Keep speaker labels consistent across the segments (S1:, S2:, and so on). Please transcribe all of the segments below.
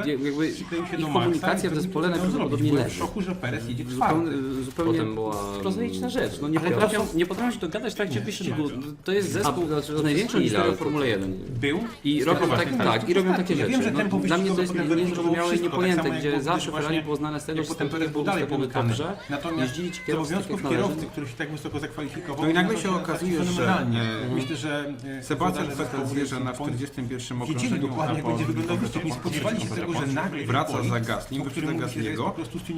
S1: jakby ich komunikacja w zespole najprawdopodobniej leży.
S2: W szoku, że Perez jedzie czwarty.
S1: Zupełnie prozaiczna rzecz. No nie potrafią się dogadać w trakcie wyścigu. To jest zespół z największą historią Formuły 1.
S2: Był?
S1: I robią takie rzeczy.
S2: Wiem, że tempo
S1: Dla mnie to jest
S2: wyścigowe
S1: niezrozumiałe i
S2: wszystko,
S1: niepojęte,
S2: tak samo
S1: gdzie
S2: jak
S1: zawsze
S2: właśnie,
S1: Ferrari było znane z tego, że
S2: potem
S1: Perez był
S2: dalej
S1: ustawiony
S2: pomykany.
S1: dobrze,
S2: Natomiast
S1: jeździli ci
S2: z
S1: kierowcy tak
S2: obowiązków
S1: jak należy.
S2: kierowcy, który się tak wysoko zakwalifikował,
S3: No i nagle się okazuje, że
S2: fenomenalnie. Myślę, że
S3: Sebastian Vettel zjeżdża na 41
S2: wiedzieli
S3: okrążeniu,
S2: dokładnie,
S3: a
S2: jak
S3: po
S2: będzie wyglądał wyścig. Nie spodziewali się tego, że nagle
S3: wraca za Gaslim, wyprzedza Gasliego.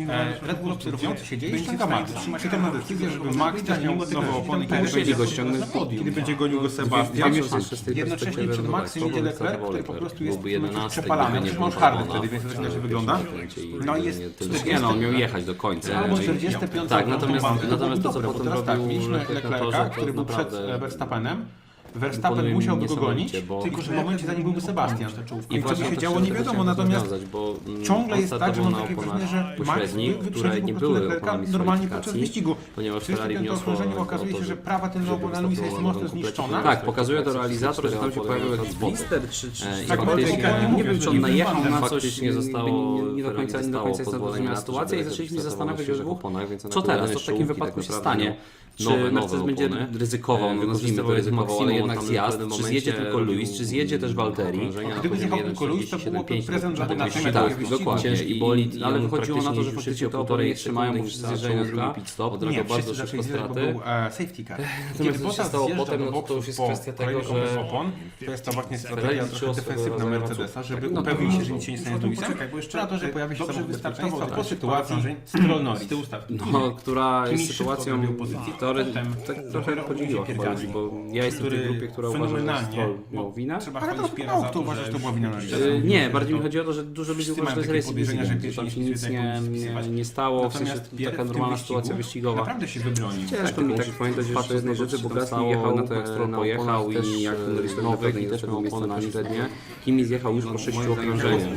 S3: Red Bull obserwujący się dzieje i ściąga Maxa. Czeka na decyzję, żeby Max też miał nowe opony,
S1: Musieli go ściągnąć z podium.
S3: kiedy będzie gonił go Sebastian.
S2: Jednocześnie przed Maxem idzie Leclerc, który po prostu jest
S1: byłby 11,
S2: przepalany.
S1: gdyby nie
S2: Przecież
S1: było
S2: on hardy
S1: Albona.
S2: wtedy, więc to
S3: się wygląda.
S2: No i jest
S1: Nie no, on miał jechać do końca.
S2: albo
S1: No i-
S2: 45.
S1: Tak, natomiast to co
S2: Dobre, bo
S1: potem
S2: teraz tak,
S1: robił
S2: mieliśmy
S1: Leclerc na
S2: Leclerca,
S1: torze,
S2: który
S1: to
S2: był przed
S1: naprawdę
S2: Verstappenem.
S1: imponuje
S2: Verstappen
S1: mi
S2: musiałby go gonić,
S1: niesamowicie, bo-
S2: tylko że w momencie zanim byłby Sebastian. I co
S1: właśnie
S2: by się
S1: to
S2: działo,
S1: chciałem
S2: nie wiadomo,
S1: chciałem
S2: natomiast
S1: rozwiązać, bo
S2: ciągle
S1: on
S2: jest tak, że
S1: startował
S2: mam
S1: na
S2: takie
S1: oponach
S2: wrażenie, że Max
S1: pośrednich, które
S2: wyprzedził
S1: nie
S2: po prostu
S1: były
S2: Leclerca
S1: oponami
S2: normalnie
S1: z
S2: podczas
S1: kwalifikacji,
S2: wyścigu.
S1: ponieważ
S2: W 35.
S1: Ferrari wniosło
S2: okrążeniu
S1: o
S2: okazuje
S1: to,
S2: się, że
S1: żeby
S2: prawa tylna opona Luisa jest mocno zniszczona.
S1: Tak, pokazuje to realizator, że tam się pojawił jakiś blister, czy
S2: tak,
S1: faktycznie,
S2: ale
S1: nie wiem, czy on najechał na coś,
S2: faktycznie
S1: nie do końca jest zrozumiała sytuacja i zaczęliśmy zastanawiać się dwóch, co teraz, co w takim wypadku się stanie. Czy Mercedes będzie ryzykował, no nazwijmy to ryzykował, ale jednak zjazd, czy zjedzie tylko Lewis, czy zjedzie też Valtteri.
S2: Gdyby zjechał tylko Lewis, to byłoby prezent dla Bonatego.
S1: Tak, dokładnie.
S2: Ciężki
S1: bolid, ale wychodziło na to, że faktycznie te opory nie trzymają, bo wszyscy zjeżdżają na drugi pit stop,
S2: Nie,
S1: odrobią bardzo
S2: wszyscy
S1: szybko
S2: zaczęli
S1: straty.
S2: był safety car.
S1: Natomiast co się stało potem, no to już jest kwestia tego, że
S2: opon, to jest to właśnie strategia
S1: Ferrari
S2: trochę defensywna Mercedesa, żeby
S1: no to
S2: upewnić się,
S1: no
S2: że nic się nie stanie z Lewisem.
S4: Poczekaj, bo jeszcze
S2: Na to, że pojawi się
S4: dobrze
S2: bezpieczeństwo
S4: wystartował
S2: po sytuacji Stroll Norris.
S1: no, która jest
S2: Kimi szybko
S1: sytuacją,
S2: odrobił pozycję,
S1: która
S2: potem
S1: tak trochę podzieliła chyba ludzi, bo ja jestem w tej grupie, która uważa, że
S2: fenomenalnie,
S1: Stroll miał winę.
S4: Trzeba
S2: Ale
S4: chwalić
S2: to
S4: Piera
S2: mało
S4: za
S2: kto
S4: to,
S2: uważa, że to była wina Norrisa.
S1: Nie, bardziej mi chodzi o to, że dużo ludzi
S2: Wszyscy
S1: uważa, że to
S2: mają
S1: jest
S2: takie
S1: racing
S2: podejrzenia, że
S1: incident, że tam
S2: pierwsi
S1: się nic
S2: wszyscy
S1: nie stało, w sensie
S2: Natomiast
S1: to
S2: Pierre
S1: taka
S2: w tym
S1: normalna
S2: wyścigu
S1: sytuacja wyścigowa.
S2: naprawdę się wybronił.
S1: Ciężko mi tak pamiętać jeszcze jednej rzeczy, bo Gasly jechał na to, jak Stroll pojechał i jak Norris i też miał miejsce na pośrednie. Kimi zjechał już po 6 okrążeniach.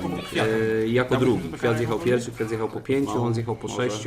S1: Jako drugi. Kwiat zjechał pierwszy, Kwiat zjechał po 5, on zjechał po 6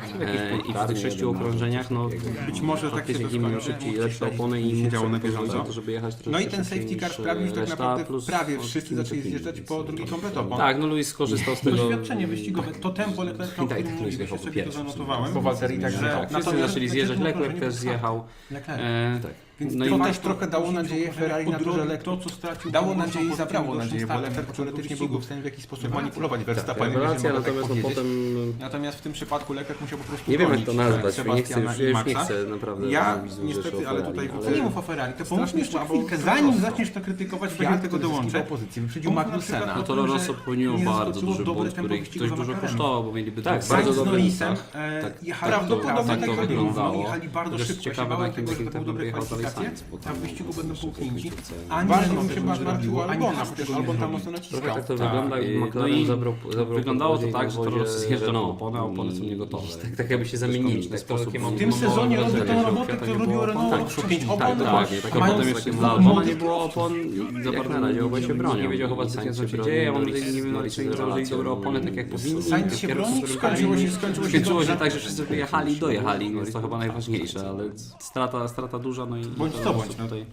S1: i w tych 6 okrążeniach no
S2: Być może tak się
S1: faktycznie Kimi miał szybciej lepsze opony i mógł
S2: działo na
S1: sobie pozwolić
S2: bieżąco.
S1: na to, żeby jechać troszkę
S2: No i ten
S1: szybciej
S2: safety car
S1: niż
S2: sprawił, że tak
S1: reszta,
S2: naprawdę
S1: plus
S2: prawie wszyscy zaczęli zjeżdżać po drugi komplet opon.
S1: Tak, no Lewis skorzystał z tego.
S2: Doświadczenie wyścigowe, to tempo Leclerca, o
S1: Tak,
S2: którym
S1: tak,
S2: mówiłeś,
S1: zjechał
S2: ja
S1: po
S2: sobie to
S1: pierwszym.
S2: zanotowałem.
S4: Po Walterii także
S1: Tak, wszyscy zaczęli zjeżdżać, Leclerc też zjechał.
S2: Leclerc.
S1: Tak.
S2: Więc
S1: No
S2: to
S1: i
S2: też trochę dało nadzieję Ferrari na to, że
S4: to,
S2: Leclerc
S4: co stracił,
S2: dało
S4: to
S2: nadzieję i
S4: po
S2: zabrało
S4: tym
S2: nadzieję, bo
S4: startem
S2: Leclerc teoretycznie byłby w stanie w jakiś sposób manipulować
S1: Tak,
S2: Verstappenem.
S1: rewelacja,
S2: jeżeli można
S1: natomiast
S2: tak
S1: no
S2: powiedzieć.
S1: potem
S2: Natomiast w tym przypadku Leclerc musiał po prostu
S1: nie wiem jak to
S2: gonić
S1: nazwać, nie chcę,
S2: Sebastiana
S1: już,
S2: i
S1: ja już nie
S2: Maxa.
S1: chcę naprawdę
S2: Ja
S1: analizu
S2: niestety,
S1: rzeczy o
S2: ale
S1: Ferrari,
S2: tutaj
S1: ale
S2: to nie mów o Ferrari, to pomóżmy jeszcze chwilkę, zanim zaczniesz to krytykować, będzie do tego dołączę. Wyprzedził Magnusena.
S1: no to Alonso popełniło bardzo duży błąd, który ich dość dużo kosztował, bo mieliby
S2: Tak,
S1: bardzo
S2: Sainz z
S1: dobry
S2: Norrisem
S1: tak,
S2: jechali
S1: prawdopodobnie
S2: tak
S1: to
S2: to
S1: wyglądało.
S2: jechali bardzo
S1: Chociaż
S2: szybko,
S1: ciekawe,
S2: się
S1: na
S2: bałem tego, że to
S1: jakim
S2: były dobre
S1: jechał dalej
S2: kwalifikacje,
S1: Sainz, bo
S2: tam w wyścigu będą połknięci,
S1: ani
S2: ani
S1: bardzo
S2: się chyba zmartwiło Albona,
S4: Albona,
S2: przecież Albon tam mocno naciskał.
S1: Trochę tak to wygląda i McLaren zabrał wyglądało to tak, że Toro zjeżdża na opony, a opony są niegotowe. Tak jakby się zamienili w ten sposób.
S2: W tym sezonie robi tę robotę, którą robiło Renault, 5 opon,
S1: Dokładnie, tak, a potem jeszcze dla Albona nie było opon i za bardzo na razie obaj się bronią. Nie wiedział chyba zbytnio co się dzieje, a mam nadzieję, nie wiem, czy im założyli dobre opony tak jak powinni.
S2: Sainz się broni, skończyło się
S1: tak, że wszyscy wyjechali i dojechali, więc to chyba najważniejsze, ale strata duża, no i
S2: Bądź co bądź, no.
S1: tutaj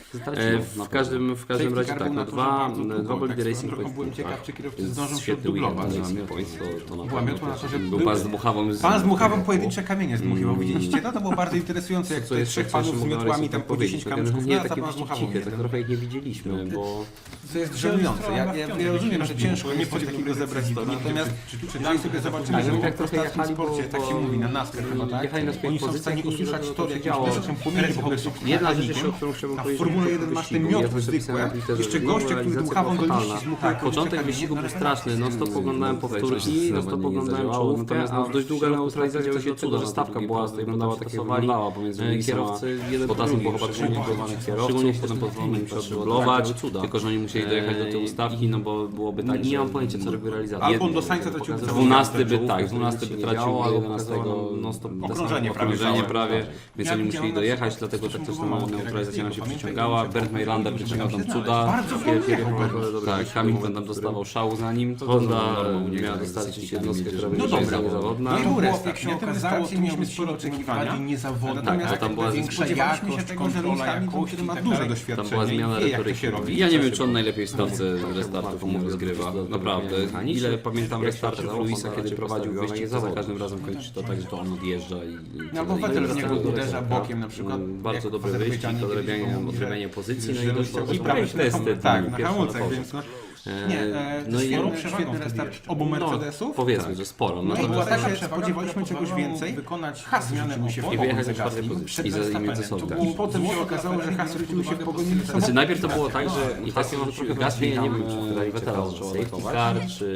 S1: w każdym razie tak, no dwa bolidy Racing
S2: Trochę
S1: Point.
S2: byłem ciekaw, czy kierowcy zdążą się
S1: Świetny weekend
S2: dublować.
S1: Racing Point, to na
S2: Była
S1: pewno
S2: miotła na to, że
S1: był pan z Dmuchawą.
S2: Pan z Muchawą pojedyncze kamienie zdmuchiwał, widzieliście? No to było bardzo interesujące, jak tutaj trzech panów z miotłami tam po 10 kamyczków
S1: nie,
S2: na
S1: takie
S2: pan z Muchawą.
S1: ciche, tak trochę ich nie widzieliśmy, bo
S2: To jest żenujące. Ja rozumiem, że ciężko jest coś takiego zebrać, natomiast jeżeli sobie zobaczymy,
S1: tak,
S2: że
S1: tak
S2: tak
S1: trochę
S2: trochę
S1: jechali,
S2: sporcie, tak się mówi, na NASCAR chyba, tak?
S1: jechali na swoich
S2: Oni są w
S1: pozycjach
S2: stanie
S1: i nie
S2: usłyszeć
S1: wiadomo,
S2: to,
S1: co
S2: jak
S1: się działo.
S2: uderzą płomienie w ogóle są
S1: jedna rzecz,
S2: mechanikiem,
S1: o którą chciałbym
S2: a w
S1: powiedzieć,
S2: Formule 1
S1: wyścigu,
S2: masz te
S1: ja
S2: miotły
S1: to zapisałem
S2: zwykłe,
S1: na Twitterze,
S2: jeszcze
S1: że
S2: goście, którzy
S1: realizacja
S2: dmuchawą do
S1: była
S2: liści
S1: fatalna.
S2: zmuchają
S1: Początek wyścigu był straszny, non stop oglądałem powtórki, non stop oglądałem czołówkę, a dość długa neutralizacja się tego, że stawka była, wyglądała tak jak wyglądała pomiędzy kierowcy, jeden Potasem było chyba trzech niegowanych kierowców, szczególnie potem pozwolono im się odryglować, tylko że oni musieli dojechać do tej ustawki, no bo byłoby tak, nie mam pojęcia co robi realizacja.
S2: Albon do Sainza tracił
S1: 12 by tracił, a 11 okrążenie
S2: prawie,
S1: prawie, więc oni musieli dojechać, dlatego tak też ta mała neutralizacja nam się przyciągała. wygrała, Bernd Maylander wyciągał tam cuda, tak, Hamilton tam dostawał szału za nim, Honda miała dostarczyć jednostkę, która będzie niezawodna.
S2: No i był restart.
S3: Jak się okazało, mieliśmy sporo oczekiwania, niezawodne.
S2: Natomiast
S1: tam była
S2: spodziewaliśmy się tego, że Lewis Hamilton, który ma duże
S1: Tam
S2: doświadczenie
S1: była zmiana
S2: i wie, jak to
S1: retoryki.
S2: się robi.
S1: Ja nie wiem, czy on najlepiej w stawce restartów umów zgrywa. Naprawdę. Ile pamiętam restartów Luisa, kiedy prowadził wyścig, to za każdym razem kończy to tak, że to on odjeżdża i...
S2: No bo Vettel z niego uderza bokiem na przykład.
S1: Bardzo
S2: jak
S1: dobry
S2: w
S1: wyścig,
S2: Azerbejdżanie
S1: odrabianie pozycji, no i dość
S2: i prawie
S1: testy.
S2: tak, na hamulcach, więc
S1: No i
S2: świetny restart obu Mercedesów.
S1: powiedzmy, że sporo.
S2: No i
S1: Natomiast
S2: było tak, że spodziewaliśmy czegoś więcej.
S3: Wykonać
S2: Has
S3: zmianę
S2: rzucił się w
S1: i
S2: pogoni
S1: wyjechać
S2: za
S1: na czwartej
S2: Gaslim
S1: pozycji
S2: przed
S1: i za nimi ze
S2: Verstappenem.
S1: sobą.
S2: I potem się okazało, że Has rzucił się w pogoni za sobą.
S1: Znaczy najpierw to było tak, że Gasly, nie wiem, czy Vettela zaczął atakować, czy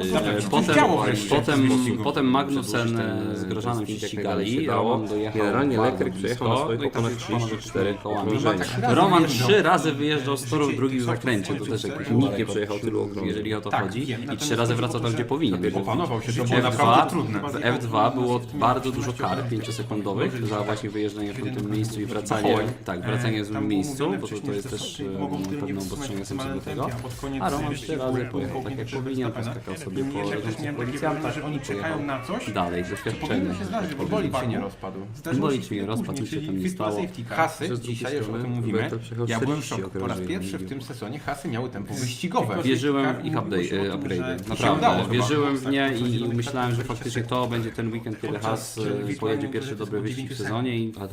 S1: potem Magnussen z Grosjeanem się ścigali, Roman dojechał
S4: Generalnie
S1: bardzo
S4: Leclerc przejechał na
S1: blisko,
S4: swoich
S1: no i tam
S4: oponach 34
S1: kołami.
S4: okrążenia.
S1: Roman 3 razy wyjeżdżał z toru w drugim zakręcie, to też jakiś
S4: Nikt nie przejechał tylu okrążeń.
S1: jeżeli o to chodzi, i 3 razy wracał tam, gdzie powinien.
S2: Opanował się, to
S1: W
S2: było naprawdę
S1: F2,
S2: trudne.
S1: w F2 było bardzo dużo kar 5-sekundowych za właśnie wyjeżdżanie w tym miejscu i wracanie, wracanie w złym miejscu, bo to jest też pewne obostrzenia są co do tego. A Roman 3 razy pojechał tak jak powinien, poskakał sobie po policjanta,
S3: że oni czekają na coś,
S1: dalej, doświadczenie.
S2: Bolid się nie rozpadł.
S1: Bolid się nie rozpadł, nic się tam nie stało.
S2: Hasy, dzisiaj już o tym mówimy,
S4: Vettel przejechał
S2: ja byłem w
S4: 40
S2: szoku. Po raz
S4: okrążeń.
S2: pierwszy w tym sezonie Hasy miały tempo wyścigowe.
S1: Wierzyłem w ich upgrade. Naprawdę, wierzyłem w nie i myślałem, że faktycznie to będzie ten weekend, kiedy Haas pojedzie pierwszy dobry wyścig w sezonie i